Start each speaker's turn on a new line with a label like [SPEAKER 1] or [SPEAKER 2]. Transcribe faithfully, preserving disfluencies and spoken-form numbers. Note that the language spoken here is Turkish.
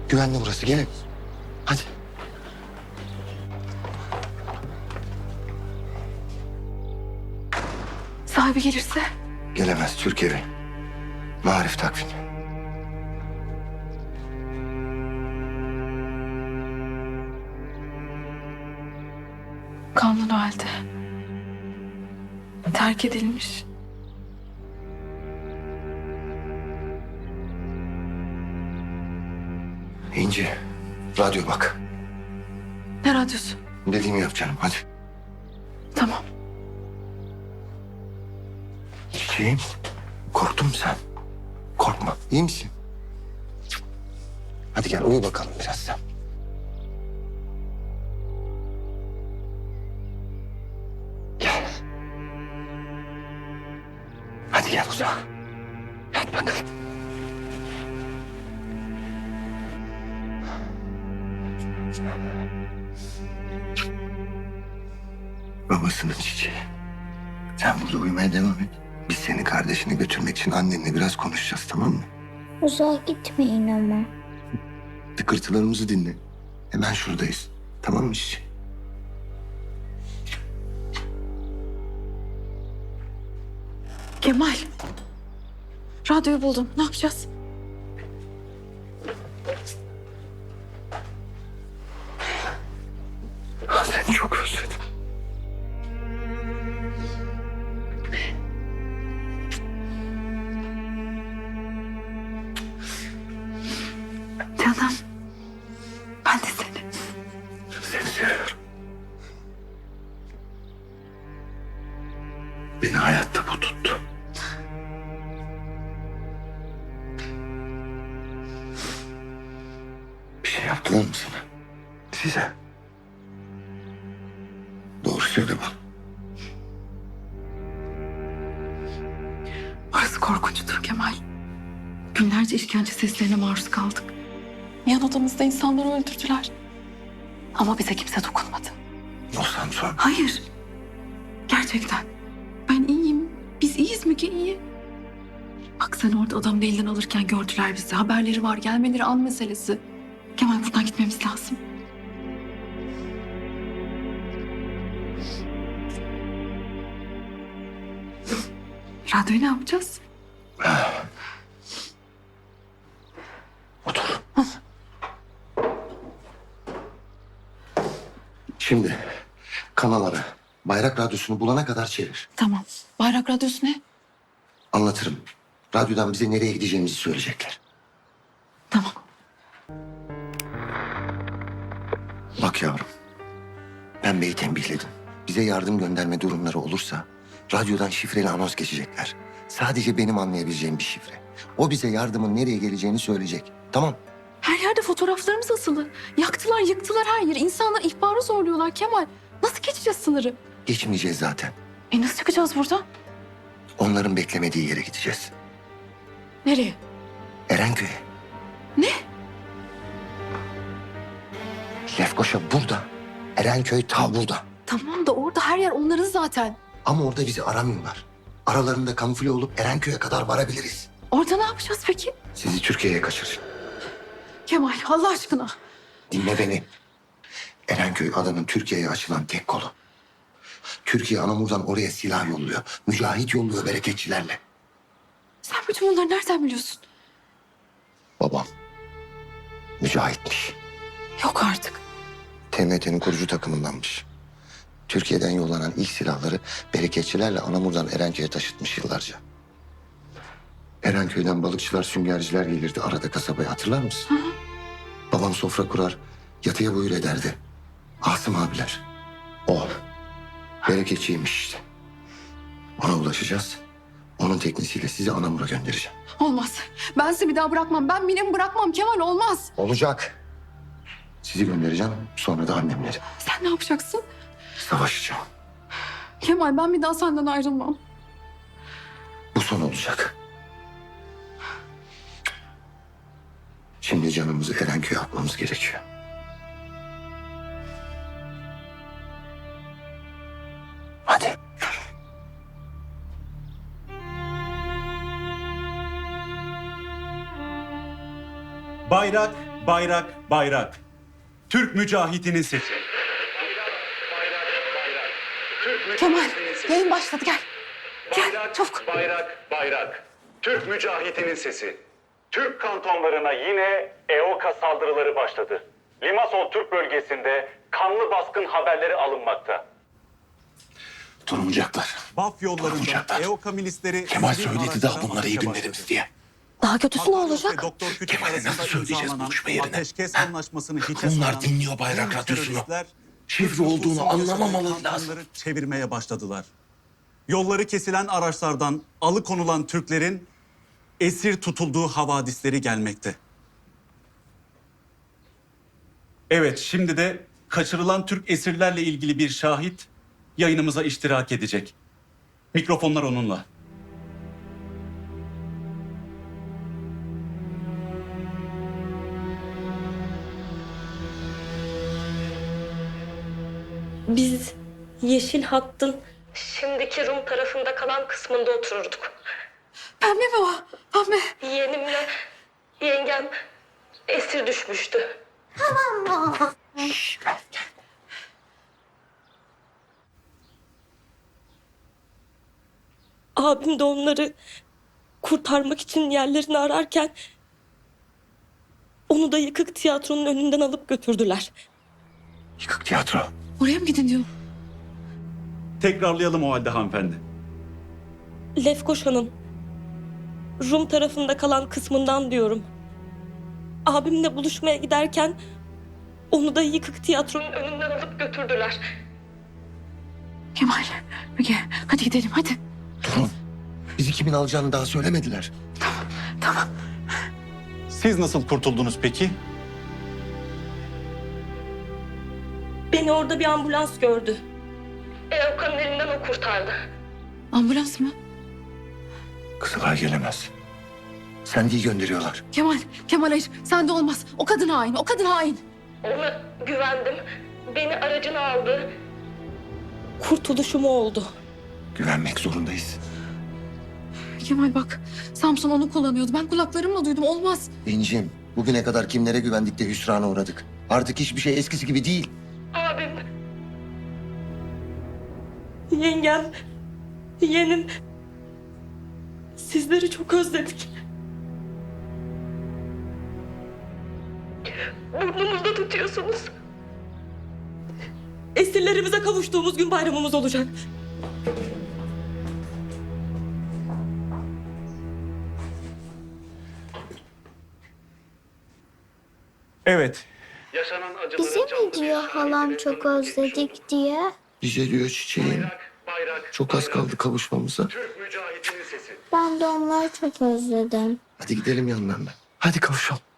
[SPEAKER 1] Güvenli burası, gelin. Hadi.
[SPEAKER 2] Sahibi gelirse?
[SPEAKER 1] Gelemez, Türk evi. Marif takvim.
[SPEAKER 2] Kanlı halde. Terk edilmiş.
[SPEAKER 1] İnci, radyo bak.
[SPEAKER 2] Ne radyosu?
[SPEAKER 1] Dediğimi yap canım, hadi.
[SPEAKER 2] Tamam.
[SPEAKER 1] Çiçeğim, korktun mu sen? Korkma, iyi misin? Hadi gel, uyu bakalım biraz sen. Gel. Hadi gel uza. Yat bakalım. Babasının çiçeği. Sen burada uyumaya devam et. Biz seni kardeşini götürmek için annenle biraz konuşacağız, tamam mı?
[SPEAKER 3] Uzağa gitmeyin ama.
[SPEAKER 1] Tıkırtılarımızı dinle. Hemen şuradayız. Tamam mı çiçeğim?
[SPEAKER 2] Kemal. Radyoyu buldum. Ne yapacağız?
[SPEAKER 1] Seni çok özledim.
[SPEAKER 2] Canım. Ben de seni.
[SPEAKER 1] Seni seviyorum. Beni hayatta bu tuttu. Bir şey yaptılar mı sana? Size. Doğru söyle bana.
[SPEAKER 2] Orası korkunçtur Kemal. Günlerce işkence seslerine maruz kaldık. Yan odamızda insanları öldürdüler. Ama bize kimse dokunmadı.
[SPEAKER 1] O Samsun.
[SPEAKER 2] Hayır. Gerçekten. Ben iyiyim. Biz iyiyiz Müge, iyi. Bak sen orada adamın elinden alırken gördüler bizi. Haberleri var, gelmeleri an meselesi. Kemal buradan gitmemiz lazım. Radyoyu ne yapacağız?
[SPEAKER 1] Otur. Şimdi kanalları Bayrak Radyosu'nu bulana kadar çevir.
[SPEAKER 2] Tamam. Bayrak radyosu ne?
[SPEAKER 1] Anlatırım. Radyodan bize nereye gideceğimizi söyleyecekler.
[SPEAKER 2] Tamam.
[SPEAKER 1] Bak yavrum. Ben beyi tembihledim. Bize yardım gönderme durumları olursa radyodan şifreli anons geçecekler. Sadece benim anlayabileceğim bir şifre. O bize yardımın nereye geleceğini söyleyecek. Tamam.
[SPEAKER 2] Her yerde fotoğraflarımız asılı. Yaktılar, yıktılar her yeri. İnsanlar ihbarı zorluyorlar Kemal. Nasıl geçeceğiz sınırı?
[SPEAKER 1] Geçmeyeceğiz zaten.
[SPEAKER 2] E nasıl çıkacağız buradan?
[SPEAKER 1] Onların beklemediği yere gideceğiz.
[SPEAKER 2] Nereye?
[SPEAKER 1] Erenköy'e.
[SPEAKER 2] Ne?
[SPEAKER 1] Lefkoşa burada. Erenköy ta burada.
[SPEAKER 2] Tamam da orada her yer onların zaten.
[SPEAKER 1] Ama orada bizi aramıyorlar. Aralarında kamufle olup Erenköy'e kadar varabiliriz.
[SPEAKER 2] Orada ne yapacağız peki?
[SPEAKER 1] Sizi Türkiye'ye kaçır.
[SPEAKER 2] Kemal Allah aşkına.
[SPEAKER 1] Dinle beni. Erenköy adanın Türkiye'ye açılan tek kolu. Türkiye Anamur'dan oraya silah yolluyor. Mücahit yolluyor bereketçilerle.
[SPEAKER 2] Sen bütün bunları nereden biliyorsun?
[SPEAKER 1] Babam mücahitmiş.
[SPEAKER 2] Yok artık.
[SPEAKER 1] T M T'nin kurucu takımındanmış. Türkiye'den yollanan ilk silahları bereketçilerle Anamur'dan Erenköy'e taşıtmış yıllarca. Erenköy'den balıkçılar, süngerciler gelirdi arada kasabaya, hatırlar mısın?
[SPEAKER 2] Hı hı.
[SPEAKER 1] Babam sofra kurar, yatıya buyur ederdi. Asım abiler. O. Bereketçiymiş işte. Ona ulaşacağız. Onun teknisiyle sizi Anamur'a göndereceğim.
[SPEAKER 2] Olmaz. Ben sizi bir daha bırakmam. Ben Mine'mi bırakmam Kemal, olmaz.
[SPEAKER 1] Olacak. Sizi göndereceğim, sonra da annemleri.
[SPEAKER 2] Sen ne yapacaksın?
[SPEAKER 1] Savaşacağım.
[SPEAKER 2] Kemal ben bir daha senden ayrılmam.
[SPEAKER 1] Bu son olacak. Şimdi canımızı Erenköy'e atmamız gerekiyor. Hadi.
[SPEAKER 4] Bayrak bayrak, bayrak. Türk mücahidinin sesi.
[SPEAKER 2] Kemal, yayın başladı gel. Gel
[SPEAKER 5] Bayrak,
[SPEAKER 2] çabuk.
[SPEAKER 5] bayrak, bayrak. Türk mücahitinin sesi. Türk kantonlarına yine E O K A saldırıları başladı. Limassol Türk bölgesinde kanlı baskın haberleri alınmakta.
[SPEAKER 6] Durmayacaklar.
[SPEAKER 4] Baf yollarında
[SPEAKER 6] Durmayacaklar.
[SPEAKER 4] E O K milisleri...
[SPEAKER 6] Kemal
[SPEAKER 4] sivil
[SPEAKER 6] söyledi daha
[SPEAKER 4] araçlara
[SPEAKER 6] bunlara iyi
[SPEAKER 4] atışa
[SPEAKER 6] günlerimiz
[SPEAKER 4] başladı.
[SPEAKER 6] diye.
[SPEAKER 2] Daha kötüsü ne
[SPEAKER 4] Hakan
[SPEAKER 2] olacak?
[SPEAKER 4] ve Doktor Küçük
[SPEAKER 6] Kemal'e
[SPEAKER 4] arasında
[SPEAKER 6] nasıl söyleyeceğiz
[SPEAKER 4] imzalanan
[SPEAKER 6] buluşma yerine?
[SPEAKER 4] Ateşkes anlaşmasını hiçe
[SPEAKER 6] Bunlar
[SPEAKER 4] sayan
[SPEAKER 6] dinliyor bayrak
[SPEAKER 4] Rum
[SPEAKER 6] radyosunu.
[SPEAKER 4] teröristler
[SPEAKER 6] Şifre
[SPEAKER 4] Türk
[SPEAKER 6] olduğunu
[SPEAKER 4] nüfusunun
[SPEAKER 6] anlamamaları
[SPEAKER 4] yaşadığı
[SPEAKER 6] lazım.
[SPEAKER 4] kantonları çevirmeye başladılar. Yolları kesilen araçlardan alıkonulan Türklerin esir tutulduğu havadisleri gelmekte. Evet, şimdi de kaçırılan Türk esirlerle ilgili bir şahit yayınımıza iştirak edecek. Mikrofonlar onunla.
[SPEAKER 7] Biz Yeşil Hatt'ın şimdiki Rum tarafında kalan kısmında otururduk.
[SPEAKER 2] Pembe mi o? Pembe.
[SPEAKER 7] Yeğenimle yengem esir düşmüştü. Abim de onları kurtarmak için yerlerini ararken onu da yıkık tiyatronun önünden alıp götürdüler.
[SPEAKER 1] Yıkık tiyatro.
[SPEAKER 2] Oraya mı gidin diyor.
[SPEAKER 4] Tekrarlayalım o halde hanımefendi.
[SPEAKER 7] Lefkoşa'nın Rum tarafında kalan kısmından diyorum. Abimle buluşmaya giderken onu da yıkık tiyatronun önünden alıp götürdüler.
[SPEAKER 2] Kemal, Müge hadi gidelim hadi.
[SPEAKER 1] Durun. Bizi kimin alacağını daha söylemediler.
[SPEAKER 2] Tamam.
[SPEAKER 4] Siz nasıl kurtuldunuz peki?
[SPEAKER 7] Beni orada bir ambulans gördü. E O K'nın elinden o kurtardı.
[SPEAKER 2] Ambulans mı?
[SPEAKER 1] Kızılay gelemez. Sendi'yi gönderiyorlar.
[SPEAKER 2] Kemal, Kemal hayır. Sen de olmaz. O kadın hain, o kadın hain.
[SPEAKER 7] Ona güvendim. Beni aracına aldı. Kurtuluşum o oldu.
[SPEAKER 1] Güvenmek zorundayız.
[SPEAKER 2] Kemal bak, Samson onu kullanıyordu. Ben kulaklarımla duydum. Olmaz.
[SPEAKER 1] İncim, bugüne kadar kimlere güvendik de hüsrana uğradık. Artık hiçbir şey eskisi gibi değil.
[SPEAKER 7] Abim. Yengem. Yeğenim. Sizleri çok özledik. Burnumuzda tutuyorsunuz. Esirlerimize kavuştuğumuz gün bayramımız olacak.
[SPEAKER 4] Evet.
[SPEAKER 5] Yaşanan acıları
[SPEAKER 3] Bize mi
[SPEAKER 5] canlı bir
[SPEAKER 3] diyor
[SPEAKER 5] şahitle
[SPEAKER 3] halam çok
[SPEAKER 5] tanıklık etmiş
[SPEAKER 3] özledik
[SPEAKER 5] olduk.
[SPEAKER 3] diye?
[SPEAKER 1] Bize diyor çiçeğim.
[SPEAKER 5] Bayrak, bayrak,
[SPEAKER 1] Çok az
[SPEAKER 5] bayrak.
[SPEAKER 1] kaldı kavuşmamıza.
[SPEAKER 5] Türk mücahitinin sesi.
[SPEAKER 3] Ben de onları çok özledim.
[SPEAKER 1] Hadi gidelim yanlarına. Hadi kavuşalım.